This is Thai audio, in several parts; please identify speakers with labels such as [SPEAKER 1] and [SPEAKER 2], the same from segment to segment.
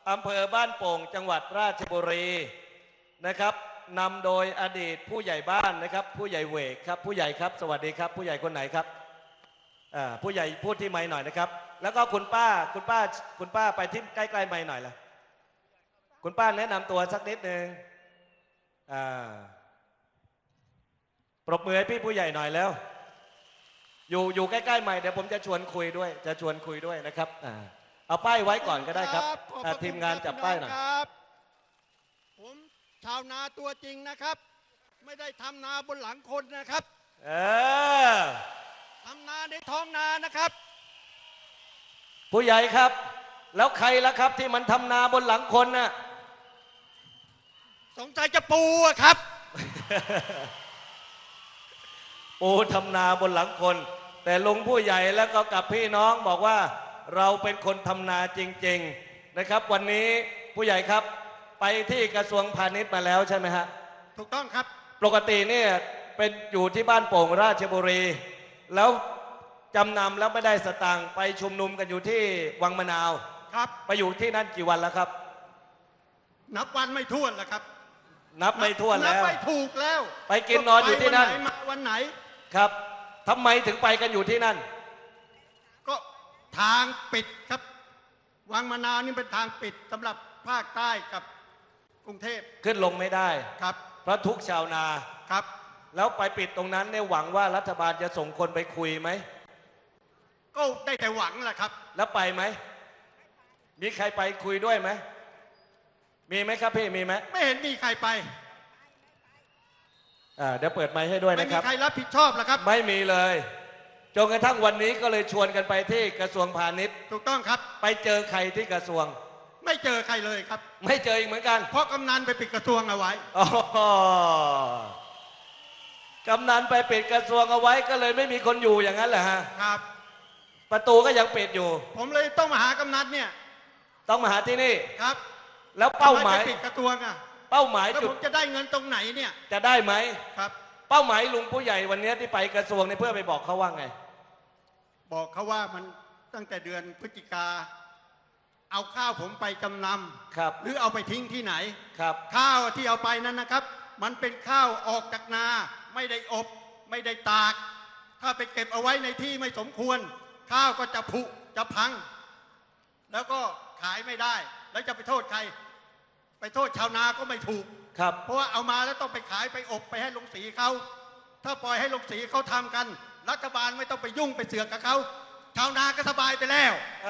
[SPEAKER 1] อำเภอบ้านโป่งจังหวัดราชบุรีนะครับนำโดยอดีตผู้ใหญ่บ้านนะครับผู้ใหญ่เวกครับผู้ใหญ่ครับสวัสดีครับผู้ใหญ่คนไหนครับผู้ใหญ่พูดที่ไมค์หน่อยนะครับแล้วก็คุณป้าไปที่ใกล้ๆไมค์หน่อยละคุณป้าแนะนำตัวสักนิดนึงปรบมือให้พี่ผู้ใหญ่หน่อยแล้วอยู่ใกล้ๆไมค์เดี๋ยวผมจะชวนคุยด้วยนะครับเอาป้ายไว้ก่อนก็ได้ครับทีมงานจับป้ายหน่อย
[SPEAKER 2] ผมชาวนาตัวจริงนะครับไม่ได้ทำนาบนหลังคนนะครับทำนาในท้องนานะครับ
[SPEAKER 1] ผู้ใหญ่ครับแล้วใครล่ะครับที่มันทำนาบนหลังคนน่ะ
[SPEAKER 2] สงสัยจะปูครับ
[SPEAKER 1] ปูทำนาบนหลังคนแต่ลุงผู้ใหญ่แล้วก็กับพี่น้องบอกว่าเราเป็นคนทำนาจริงๆนะครับวันนี้ผู้ใหญ่ครับไปที่กระทรวงพาณิชย์มาแล้วใช่ไหมฮะ
[SPEAKER 2] ถูกต้องครับ
[SPEAKER 1] ปกติเนี่ยเป็นอยู่ที่บ้านโป่งราชบุรีแล้วจำนำแล้วไม่ได้สตางค์ไปชุมนุมกันอยู่ที่วังมะนาว
[SPEAKER 2] ครับ
[SPEAKER 1] ไปอยู่ที่นั่นกี่วันแล้วครับ
[SPEAKER 2] นับวันไม่ถ้วนแล้วครับ
[SPEAKER 1] นับไม่ถ้วนแล้ว
[SPEAKER 2] นับไม่ถูกแล้ว
[SPEAKER 1] ไปกินนอนอยู่ที่นั่น
[SPEAKER 2] มาวันไหน
[SPEAKER 1] ครับทำไมถึงไปกันอยู่ที่นั่น
[SPEAKER 2] ก็ทางปิดครับวังมะนาวนี่เป็นทางปิดสำหรับภาคใต้กับกรุงเทพ
[SPEAKER 1] ขึ้นลงไม่ได้
[SPEAKER 2] ครับ
[SPEAKER 1] เพราะทุกชาวนา
[SPEAKER 2] ครับ
[SPEAKER 1] แล้วไปปิดตรงนั้นเนี่ยหวังว่ารัฐบาลจะส่งคนไปคุยไหม
[SPEAKER 2] ก็ได้แต่หวังแหละครับ
[SPEAKER 1] แล้วไปไหมมีใครไปคุยด้วยไหมมีไหมครับพี่มีไหม
[SPEAKER 2] ไม่เห็นมีใครไป
[SPEAKER 1] เดี๋ยวเปิดไมค์ให้ด้วยนะครับ
[SPEAKER 2] ไม่มีใครรับผิดชอบหรอครับ
[SPEAKER 1] ไม่มีเลยจนกระทั่งวันนี้ก็เลยชวนกันไปที่กระทรวงพาณิชย์
[SPEAKER 2] ถูกต้องครับ
[SPEAKER 1] ไปเจอใครที่กระทรวง
[SPEAKER 2] ไม่เจอใครเลยครับ
[SPEAKER 1] ไม่เจออีกเหมือนกัน
[SPEAKER 2] เพราะกำนันไปปิดกระทรวงเอาไว้
[SPEAKER 1] กำนันไปปิดกระทรวงเอาไว้ก็เลยไม่มีคนอยู่อย่างนั้นเหรอฮะ
[SPEAKER 2] ครับ
[SPEAKER 1] ประตูก็ยังปิดอยู่
[SPEAKER 2] ผมเลยต้องมาหากำนันเนี่ย
[SPEAKER 1] ต้องมาหาที่นี่
[SPEAKER 2] ครับ
[SPEAKER 1] แล้วเป้าหมาย
[SPEAKER 2] ปิดกระทรวง
[SPEAKER 1] เป้าหมาย
[SPEAKER 2] จุดผมจะได้เงินตรงไหนเนี่ย
[SPEAKER 1] จะได้ไหม
[SPEAKER 2] ครับ
[SPEAKER 1] เป้าหมายลุงผู้ใหญ่วันนี้ที่ไปกระทรวงนี่เพื่อไปบอกเขาว่าไง
[SPEAKER 2] บอกเขาว่ามันตั้งแต่เดือนพฤศจิกาเอาข้าวผมไปจำนำ
[SPEAKER 1] ครับ
[SPEAKER 2] หรือเอาไปทิ้งที่ไหน
[SPEAKER 1] ครับ
[SPEAKER 2] ข้าวที่เอาไปนั้นนะครับมันเป็นข้าวออกจากนาไม่ได้อบไม่ได้ตากถ้าไปเก็บเอาไว้ในที่ไม่สมควรข้าวก็จะผุจะพังแล้วก็ขายไม่ได้แล้วจะไปโทษใครไปโทษชาวนาก็ไม่ถูก
[SPEAKER 1] ครับ
[SPEAKER 2] เพราะว่าเอามาแล้วต้องไปขายไปอบไปให้โรงสีเขาถ้าปล่อยให้โรงสีเขาทำกันรัฐบาลไม่ต้องไปยุ่งไปเสือกกับเขาชาวนาก็สบายไปแล้ว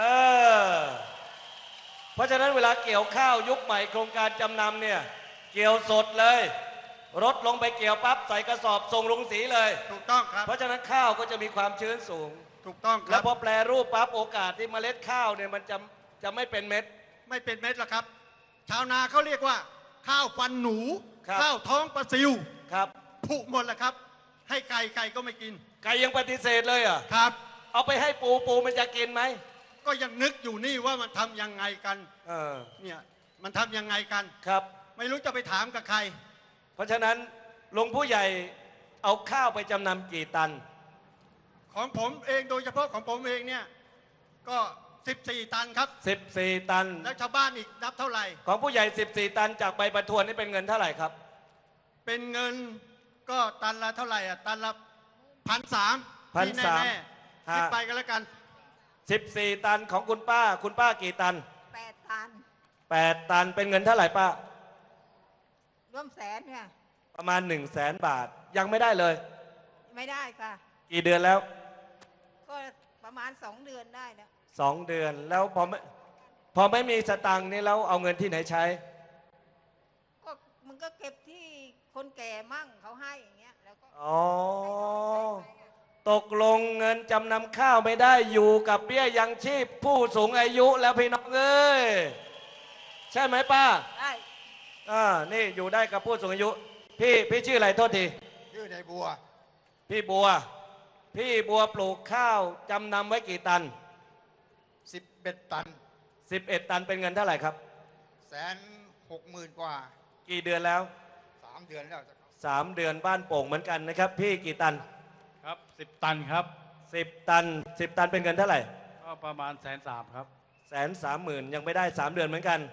[SPEAKER 1] เพราะฉะนั้นเวลาเกี่ยวข้าวยุคใหม่โครงการจำนำเนี่ยเกี่ยวสดเลยรถลงไปเกี่ยวปั๊บใส่กระสอบส่งลงสีเลย
[SPEAKER 2] ถูกต้องครับ
[SPEAKER 1] เพราะฉะนั้นข้าวก็จะมีความชื้นสูง
[SPEAKER 2] ถูกต้องครับ
[SPEAKER 1] แล้วพอแปรรูปปั๊บโอกาสที่เมล็ดข้าวเนี่ยมันจะไม่เป็นเม็ด
[SPEAKER 2] ไม่เป็นเม็ดหรอกครับชาวนาเขาเรียกว่าข้าวฟันหนูข้าวท้องปลาซิว
[SPEAKER 1] ครับ
[SPEAKER 2] ผุหมดแล้วครับให้ไก่ก็ไม่กิน
[SPEAKER 1] ไก่ยังปฏิเสธเลยอ่ะ
[SPEAKER 2] ครับ
[SPEAKER 1] เอาไปให้ปูมันจะกินไหม
[SPEAKER 2] ก็ยังนึกอยู่นี่ว่ามันทำยังไงกันเนี่ยมันทำยังไงกัน
[SPEAKER 1] ครับ
[SPEAKER 2] ไม่รู้จะไปถามกับใคร
[SPEAKER 1] เพราะฉะนั้นลุงผู้ใหญ่เอาข้าวไปจำนำกี่ตัน
[SPEAKER 2] ของผมเองโดยเฉพาะของผมเองเนี่ยก็14 ตันครับ
[SPEAKER 1] 14 ตัน
[SPEAKER 2] แล้วชาวบ้านอีกนับเท่าไหร่
[SPEAKER 1] ของผู้ใหญ่14 ตันจากใบประทวนนี่เป็นเงินเท่าไหร่ครับ
[SPEAKER 2] เป็นเงินก็ตันละเท่าไหร่ตันละ1,300ที่แน่ๆคิดไปกันแล้วกัน
[SPEAKER 1] 14 ตันของคุณป้ากี่ตัน
[SPEAKER 3] 8 ตัน
[SPEAKER 1] 8 ตันเป็นเงินเท่าไหร่ป้า
[SPEAKER 3] ร่วมแสนเนี่ย
[SPEAKER 1] ประมาณ100,000 บาทยังไม่ได้เลย
[SPEAKER 3] ไม่ได้ค่ะ
[SPEAKER 1] กี่เดือนแล้ว
[SPEAKER 3] ก็ประมาณ2 เดือนได้นะ
[SPEAKER 1] 2 เดือนแล้วพอไม่มีสตังค์นี่แล้วเอาเงินที่ไหนใช้
[SPEAKER 3] ก็มันก็เก็บที่คนแก่มั่งเขาให้อย่างเงี้ยแล้วก็
[SPEAKER 1] ตกลงเงินจำนำข้าวไม่ได้อยู่กับเบี้ยยังชีพผู้สูงอายุแล้วพี่น้องเอ้ยใช่ไหมป้า
[SPEAKER 3] ได้
[SPEAKER 1] นี่อยู่ได้กับผู้สูงอายุพี่ชื่ออะไรโทษที
[SPEAKER 2] ชื่อนายบัว
[SPEAKER 1] พี่บัวปลูกข้าวจำนำไว้กี่ตัน
[SPEAKER 2] 11 ตัน
[SPEAKER 1] 11 ตันเป็นเงินเท่าไหร่ครับ
[SPEAKER 2] 160,000 กว่า
[SPEAKER 1] กี่เดือนแล้ว
[SPEAKER 2] 3 เดือนแล้ว
[SPEAKER 1] 3 เดือนบ้านโป่งเหมือนกันนะครับพี่กี่ตัน
[SPEAKER 4] ครับ10 ตันครับ
[SPEAKER 1] 10 ตัน10 ตันเป็นเงินเท่าไหร่
[SPEAKER 4] ก็ประมาณ130,000ครับ
[SPEAKER 1] 130,000ยังไม่ได้3 เดือนเหมือนกัน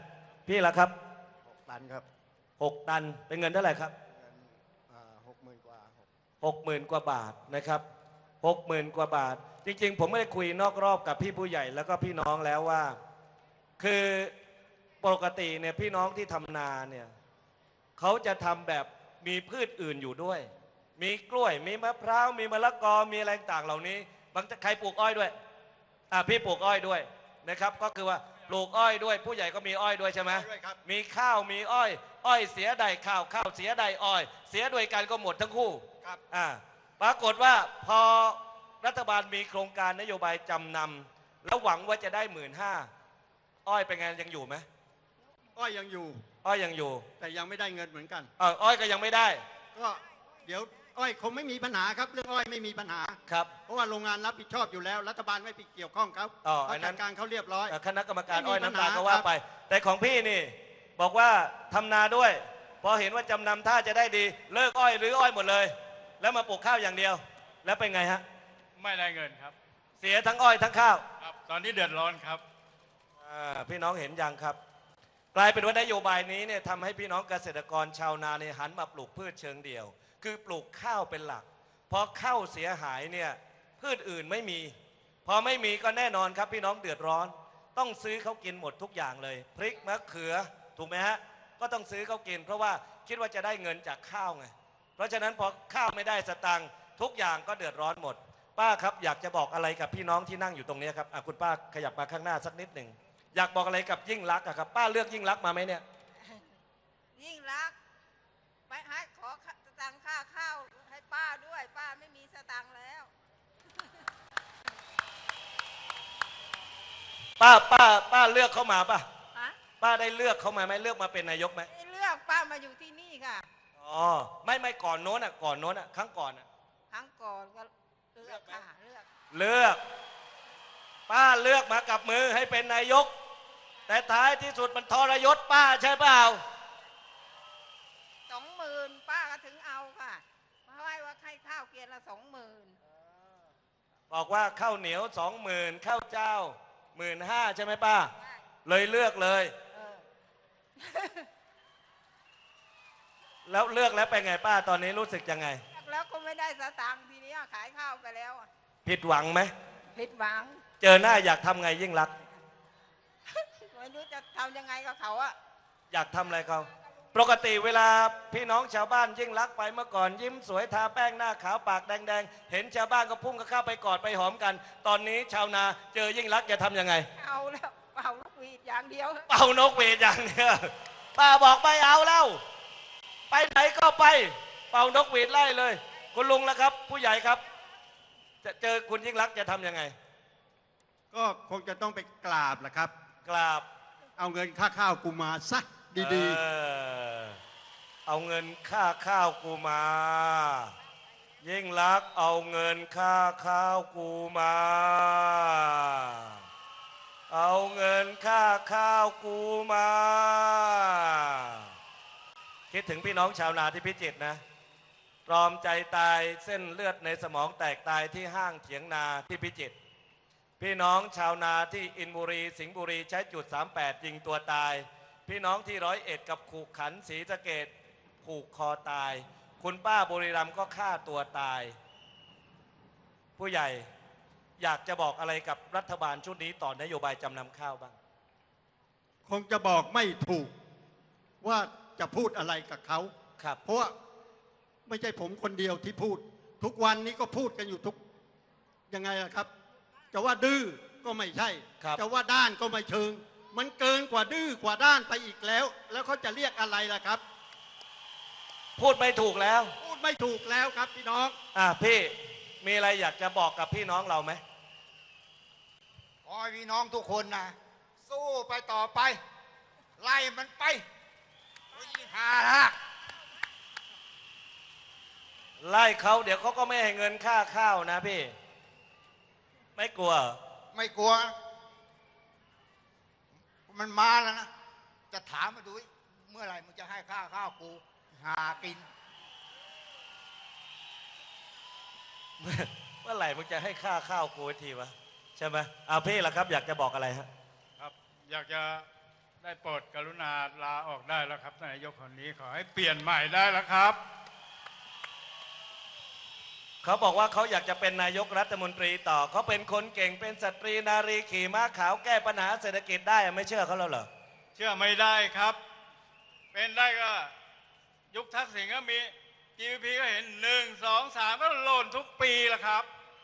[SPEAKER 1] พี่ละครับ
[SPEAKER 2] 6 ตันครับ
[SPEAKER 1] 6 ตันเป็นเงินเท่าไหร่ครับ
[SPEAKER 2] เงิน60,000 กว่า
[SPEAKER 1] 60,000 กว่าบาทนะครับ60,000 กว่าบาท จริงๆ ผมไม่ได้คุยนอกรอบกับพี่ผู้ใหญ่แล้วก็พี่น้องแล้วว่า คือปกติเนี่ยพี่น้องที่ทำนาเนี่ยเขาจะทำแบบมีพืชอื่นอยู่ด้วย มีกล้วยมีมะพร้าวมีมะละกอมีอะไรต่างเหล่านี้บางใครปลูกอ้อยด้วยพี่ปลูกอ้อยด้วยนะครับก็คือว่าปลูกอ้อยด้วย ผู้ใหญ่ก็มีอ้อยด้วยใช่ไหม
[SPEAKER 2] ด้วยครับ
[SPEAKER 1] มีข้าวมีอ้อย อ้อยเสียใดข้าวข้าวเสียใดอ้อย เสียด้วยกันก็หมดทั้งคู่
[SPEAKER 2] ครับ
[SPEAKER 1] ปรากฏว่าพอรัฐบาลมีโครงการนโยบายจำนำแล้วหวังว่าจะได้15,000อ้อยเป็นไงยังอยู่ไหม
[SPEAKER 2] อ้อยยังอยู่
[SPEAKER 1] อ้อยยังอยู่
[SPEAKER 2] แต่ยังไม่ได้เงินเหมือนกัน
[SPEAKER 1] อ้อยก็ยังไม่ได้
[SPEAKER 2] ก็เดี๋ยวอ้อยคงไม่มีปัญหาครับเรื่องอ้อยไม่มีปัญหา
[SPEAKER 1] ครับ
[SPEAKER 2] เพราะว่าโรงงานรับผิดชอบอยู่แล้ว รัฐบาลไม่ไปเกี่ยวข้องเขา
[SPEAKER 1] อันนั้น
[SPEAKER 2] จัดการเขาเรียบร้อย
[SPEAKER 1] คณะกรรมการ
[SPEAKER 2] ไม่มี
[SPEAKER 1] อ้อยน้ำตาล
[SPEAKER 2] ปัญหา
[SPEAKER 1] ก็ว่า
[SPEAKER 2] ครับ
[SPEAKER 1] ไป แต่ของพี่นี่บอกว่าทำนาด้วย พอเห็นว่าจำนำท่าจะได้ดี เลิกอ้อยหรืออ้อยหมดเลย แล้วมาปลูกข้าวอย่างเดียว แล้วเป็นไงฮะ
[SPEAKER 4] ไม่ได้เงินครับ
[SPEAKER 1] เสียทั้งอ้อยทั้งข้าว
[SPEAKER 4] ครับ ตอนนี้เดือดร้อนครับ
[SPEAKER 1] พี่น้องเห็นยังครับ กลายเป็นว่านโยบายนี้เนี่ยทำให้พี่น้องเกษตรกรชาวนาเนี่ยหันมาปลูกพืชเชิงเดี่ยว คือปลูกข้าวเป็นหลักพอข้าวเสียหายเนี่ยพืชอื่นไม่มี พอไม่มีก็แน่นอนครับพี่น้องเดือดร้อน ต้องซื้อเขากินหมดทุกอย่างเลย พริกมะเขือถูกไหมฮะก็ต้องซื้อเขากิน เพราะว่าคิดว่าจะได้เงินจากข้าวไงเพราะฉะนั้นพอข้าวไม่ได้สตังค์ทุกอย่างก็เดือดร้อนหมด ป้าครับอยากจะบอกอะไรกับพี่น้องที่นั่งอยู่ตรงนี้ครับคุณป้าขยับมาข้างหน้าสักนิดหนึ่งอยากบอกอะไรกับยิ่งรักษณ์ครับป้าเลือกยิ่งรักษณ์มาไหมเนี่ย
[SPEAKER 3] ยิ่งรักไปให้ขอสตังค่าข้าวให้ป้าด้วย ป้าไม่มีสตังค์แล้ว
[SPEAKER 1] ป้าเลือกเขามาป่ะ
[SPEAKER 3] ฮะ
[SPEAKER 1] ป้าได้เลือกเขามาไหมเลือกมาเป็นนายกไหม
[SPEAKER 3] ไม่เลือกป้ามาอยู่ที่นี่ค่ะ
[SPEAKER 1] อ๋อไม่ก่อนโน้นก่อนโน้นครั้งก่อน
[SPEAKER 3] ครั้งก่อนก็เลือกค่ะเลือก
[SPEAKER 1] เลือกป้าเลือกมากับมือให้เป็นนายก แต่ท้ายที่สุดมันทรยศป้าใช่เปล่า
[SPEAKER 3] 20,000ป้าก็ถึงเอาค่ะเพราะว่าให้ข้าวเกียรละ20,000
[SPEAKER 1] บอกว่าข้าวเหนียว 20,000ข้าวเจ้า 15,000ใช่ไหมป้า เลยเลือกเลย
[SPEAKER 3] เออ
[SPEAKER 1] แล้วเลือกแล้วเป็นไงป้าตอนนี้รู้สึกยังไง
[SPEAKER 3] แล้วก็ไม่ได้สตังค์ทีนี้ขายข้าวไปแล้วอะ
[SPEAKER 1] ผิดหวังไหม
[SPEAKER 3] ผิดหวัง
[SPEAKER 1] เจอหน้าอยากทำไงยิ่งรักษณ์
[SPEAKER 3] ไม่รู้จะทำยังไงกับเขาอะ
[SPEAKER 1] อยากทำอะไรเขาปกติเวลาพี่น้องชาวบ้านยิ่งรักไปเมื่อก่อนยิ้มสวยทาแป้งหน้าขาวปากแดงๆเห็นชาวบ้านก็พุ่งเข้าไปกอดไปหอมกัน ตอนนี้ชาวนาเจอยิ่งรักษณ์จะทำยังไง
[SPEAKER 3] เอาแล้วเป่าลูกหวีดอย่างเดียว
[SPEAKER 1] เป่านกหวีดอย่างเดียวป้าบอกไม่เอาแล้วไปไหนก็ไป เป่านกหวีดไล่เลย คุณลุงแล้วครับ ผู้ใหญ่ครับ จะเจอคุณยิ่งรักษณ์จะทำยังไง
[SPEAKER 2] ก็คงจะต้องไปกราบแหละครับ
[SPEAKER 1] กราบ
[SPEAKER 2] เอาเงินค่าข้าวกูมาซะดี
[SPEAKER 1] เอาเงินค่าข้าวกูมา ยิ่งรักษณ์เอาเงินค่าข้าวกูมา เอาเงินค่าข้าวกูมา คิดถึงพี่น้องชาวนาที่พิจิตรนะตรอมใจตายเส้นเลือดในสมองแตกตายที่ห้างเถียงนาที่พิจิตรพี่น้องชาวนาที่อินบุรีสิงห์บุรีใช้จุด38ยิงตัวตาย พี่น้องที่101กับขู่ขันศรีสะเกษผูกคอตาย คุณป้าบุรีรัมย์ก็ฆ่าตัวตาย ผู้ใหญ่อยากจะบอกอะไรกับรัฐบาลชุดนี้ต่อนโยบายจำนำข้าวบ้าง
[SPEAKER 2] ๆ คงจะบอกไม่ถูกว่าจะพูดอะไรกับเขา
[SPEAKER 1] ครับ
[SPEAKER 2] เพราะว่าไม่ใช่ผมคนเดียวที่พูด ทุกวันนี้ก็พูดกันอยู่ทุกยังไงล่ะครับ จะว่าดื้อก็ไม่ใช่
[SPEAKER 1] ครับ
[SPEAKER 2] จะว่าด้านก็ไม่เชิง มันเกินกว่าดื้อกว่าด้านไปอีกแล้ว แล้วเขาจะเรียกอะไรล่ะครับ
[SPEAKER 1] พูดไม่ถูกแล้ว
[SPEAKER 2] พูดไม่ถูกแล้วครับพี่น้อง
[SPEAKER 1] พี่มีอะไรอยากจะบอกกับพี่น้องเราไหม
[SPEAKER 5] ขอให้พี่น้องทุกคนนะ สู้ไปต่อไป ไล่มันไปหาละ
[SPEAKER 1] ไล่เขาเดี๋ยวเขาก็ไม่ให้เงินค่าข้าวนะพี่ ไม่กลัว
[SPEAKER 5] ไม่กลัว มันมาแล้วนะ จะถามมาดูดิเมื่อไหร่มึงจะให้ข้าวกูหากิน
[SPEAKER 1] เมื่อไหร่มึงจะให้ค่าข้าวกูทีวะใช่ไหมพี่ล่ะครับอยากจะบอกอะไรฮะ
[SPEAKER 4] ครับ อยากจะได้โปรดกรุณาลาออกได้แล้วครับนายกคนนี้ขอให้เปลี่ยนใหม่ได้แล้วครับ
[SPEAKER 1] เขาบอกว่าเขาอยากจะเป็นนายกรัฐมนตรีต่อเขาเป็นคนเก่งเป็นสตรีนารีขี่ม้าขาวแก้ปัญหาเศรษฐกิจได้ไม่เชื่อเขาแล้วเหรอ
[SPEAKER 4] เชื่อไม่ได้ครับ เป็นได้ก็ยุคทักษิณก็มี GDP ก็เห็น1 2 3ก็หล่นทุกปีละครับ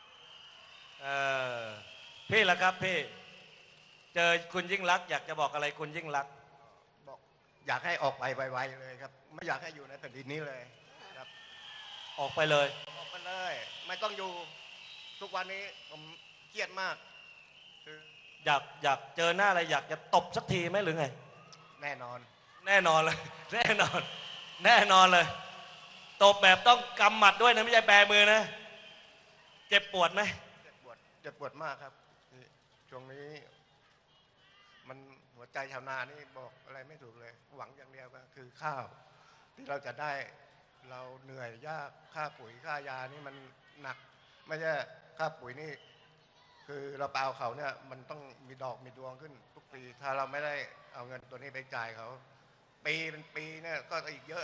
[SPEAKER 1] พี่ล่ะครับพี่เจอคุณยิ่งลักษณ์อยากจะบอกอะไรคุณยิ่งลักษณ์
[SPEAKER 6] บอกอยากให้ออกไปไวๆเลยครับ ไม่อยากให้อยู่ในแผ่นดินนี้เลยครับ
[SPEAKER 1] ออกไปเลย
[SPEAKER 6] ออกไปเลย ไม่ต้องอยู่ทุกวันนี้ผมเครียดมากคือ
[SPEAKER 1] อยากเจอหน้าอะไรอยากจะตบสักทีไหมหรือไง
[SPEAKER 6] แน่นอน
[SPEAKER 1] แน่นอนเลย แน่นอนแน่นอนเลยตบแบบต้องกำหมัดด้วยนะไม่ใช่แบมือนะเจ็บปวดไหม
[SPEAKER 6] เจ็บปวดมากครับนี่ช่วงนี้ มันหัวใจชาวนานี่บอกอะไรไม่ถูกเลย หวังอย่างเดียวก็คือข้าว ที่เราจะได้เราเหนื่อยยากค่าปุ๋ยค่ายานี่มันหนัก ไม่ใช่ค่าปุ๋ยนี่ คือเราไปเอาเขาเนี่ยมันต้องมีดอกมีดวงขึ้นทุกปี ถ้าเราไม่ได้เอาเงินตัวนี้ไปจ่ายเขา ปีเป็นปีเนี่ยก็อีกเยอะ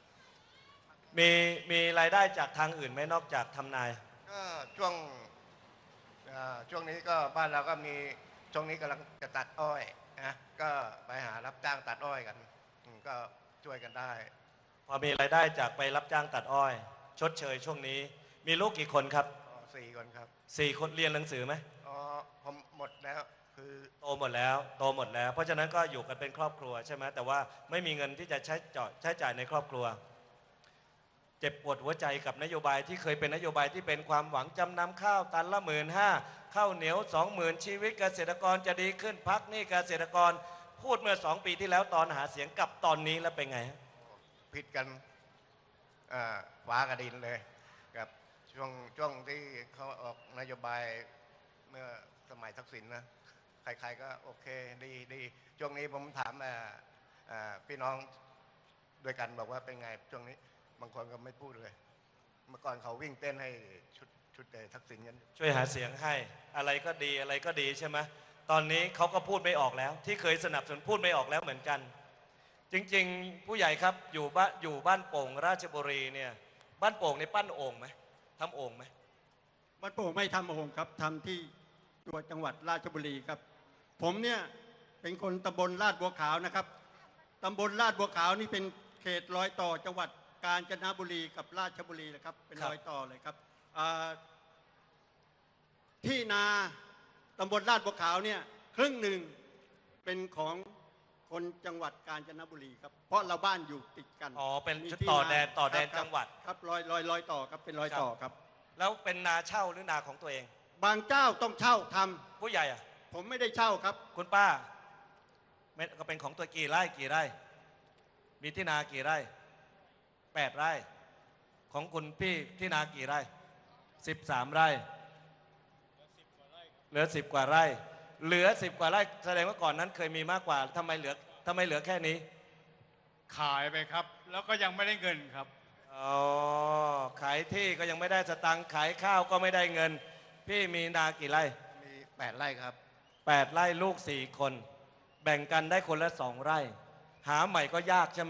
[SPEAKER 1] มีรายได้จากทางอื่นไหมนอกจากทำนาย
[SPEAKER 6] ก็ช่วงนี้ก็บ้านเราก็มีช่วงนี้กำลังจะตัดอ้อยนะก็ไปหารับจ้างตัดอ้อยกันก็ช่วยกันได้
[SPEAKER 1] พอมีรายได้จากไปรับจ้างตัดอ้อย ชดเชยช่วงนี้ มีลูกกี่คนครับ
[SPEAKER 6] 4 คนครับ
[SPEAKER 1] 4 คนเรียนหนังสือไหม
[SPEAKER 6] อ๋อผมหมดแล้วคือ
[SPEAKER 1] โตหมดแล้วเพราะฉะนั้นก็อยู่กันเป็นครอบครัวใช่ไหมแต่ว่าไม่มีเงินที่จะใช้จ่ายในครอบครัว เจ็บปวดหัวใจกับนโยบายที่เคยเป็นนโยบายที่เป็นความหวังจำนำข้าวตันละ15,000ข้าวเหนียว 20,000 ชีวิตเกษตรกรจะดีขึ้นพักหนี้เกษตรกรพูดเมื่อ2 ปีที่แล้วตอนหาเสียงกับตอนนี้แล้วเป็นไงฮะ
[SPEAKER 6] ผิดกันฟ้ากับดินเลยกับช่วงที่เขาออกนโยบายเมื่อสมัยทักษิณนะใครๆก็โอเคดีช่วงนี้ผมถามพี่น้องด้วยกันบอกว่าเป็นไงช่วงนี้บางคนก็ไม่พูดเลย เมื่อก่อนเขาวิ่งเต้นให้ชุดทักษิณกัน
[SPEAKER 1] ช่วยหาเสียงให้อะไรก็ดีใช่ไหมตอนนี้เขาก็พูดไม่ออกแล้ว ที่เคยสนับสนุนพูดไม่ออกแล้วเหมือนกัน จริงๆผู้ใหญ่ครับอยู่บ้านโป่งราชบุรีเนี่ยบ้านโป่งในปั้นโอ่งไหมทำโอ่งไหม
[SPEAKER 2] บ้านโป่งไม่ทำโอ่งครับทำที่ตัวจังหวัดราชบุรีครับ ผมเนี่ยเป็นคนตำบลลาดบัวขาวนะครับตำบลลาดบัวขาวนี่เป็นเขตรอยต่อจังหวัดกาญจนบุรีกับราชบุรีนะครับเป็นรอยต่อเลยครับที่นาตำบลลาดบัวขาวเนี่ยครึ่งหนึ่งเป็นของคนจังหวัดกาญจนบุรีครับเพราะเราบ้านอยู่ติดกัน
[SPEAKER 1] อ๋อเป็น
[SPEAKER 2] มีที่
[SPEAKER 1] ต่อ
[SPEAKER 2] นา
[SPEAKER 1] แดน
[SPEAKER 2] ครับ
[SPEAKER 1] จังหวัด
[SPEAKER 2] ครับรอยต่อครับเป็นรอยต่อครับ
[SPEAKER 1] แล้วเป็นนาเช่าหรือนาของตัวเอง
[SPEAKER 2] บางเจ้าต้องเช่าทำ
[SPEAKER 1] ผู้ใหญ่อะ
[SPEAKER 2] ผมไม่ได้เช่าครับ
[SPEAKER 1] คุณป้าก็เป็นของตัวกี่ไร่มีที่นากี่ไร่8 ไร่ของคุณพี่ที่นากี่ไร่13 ไร่เหลือ10 กว่าไร่เหลือ10 กว่าไร่แสดงว่าก่อนนั้นเคยมีมากกว่าทำไมเหลือแค่นี้
[SPEAKER 4] ขายไปครับ แล้วก็ยังไม่ได้เงินครับ
[SPEAKER 1] อ๋อขายที่ก็ยังไม่ได้สตังค์ขายข้าวก็ไม่ได้เงิน พี่มีนากี่ไร่
[SPEAKER 6] มี8 ไร่ครับ
[SPEAKER 1] 8 ไร่ลูก4 คนแบ่งกันได้คนละ2 ไร่หาใหม่ก็ยากใช่ไหม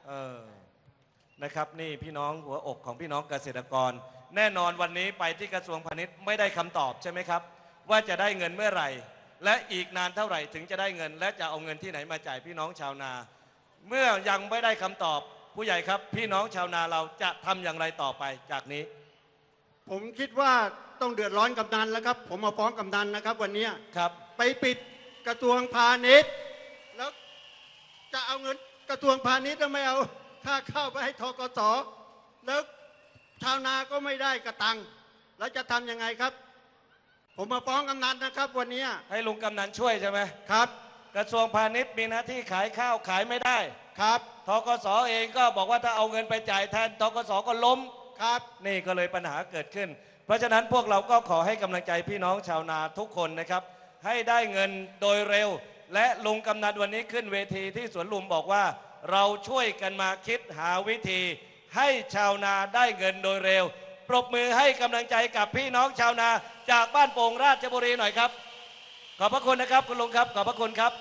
[SPEAKER 1] นะครับนี่พี่น้องหัวอกของพี่น้องเกษตรกร แน่นอนวันนี้ไปที่กระทรวงพาณิชย์ไม่ได้คำตอบใช่ไหมครับว่าจะได้เงินเมื่อไหร่ และอีกนานเท่าไหร่ถึงจะได้เงิน และจะเอาเงินที่ไหนมาจ่ายพี่น้องชาวนา เมื่อยังไม่ได้คำตอบผู้ใหญ่ครับพี่น้องชาวนาเราจะทำอย่างไรต่อไปจากนี้
[SPEAKER 2] ผมคิดว่าต้องเดือดร้อนกำนันแล้วครับผมมาฟ้องกำนันนะครับวันนี้
[SPEAKER 1] ครับ
[SPEAKER 2] ไปปิดกระทรวงพาณิชย์แล้วจะเอาเงินกระทรวงพาณิชย์แล้วไม่เอาค่าข้าวไปให้ทกสแล้วชาวนาก็ไม่ได้กระตังแล้วจะทำยังไงครับ ผมมาฟ้องกำนันนะครับวันนี้
[SPEAKER 1] ให้ลุงกำนันช่วยใช่ไหม
[SPEAKER 2] ครับ
[SPEAKER 1] กระทรวงพาณิชย์มีหน้าที่ขายข้าวขายไม่ได้
[SPEAKER 2] ครับ
[SPEAKER 1] ทกสเองก็บอกว่าถ้าเอาเงินไปจ่ายแทนทกสก็ล้ม
[SPEAKER 2] ครับ
[SPEAKER 1] นี่ก็เลยปัญหาเกิดขึ้น เพราะฉะนั้นพวกเราก็ขอให้กำลังใจพี่น้องชาวนาทุกคนนะครับให้ได้เงินโดยเร็ว และลุงกำนันวันนี้ขึ้นเวทีที่สวนลุมบอกว่าเราช่วยกันมาคิดหาวิธี ให้ชาวนาได้เงินโดยเร็ว ปรบมือให้กำลังใจกับพี่น้องชาวนาจากบ้านโป่งราชบุรีหน่อยครับขอบพระคุณนะครับคุณลุงครับขอบพระคุณครับ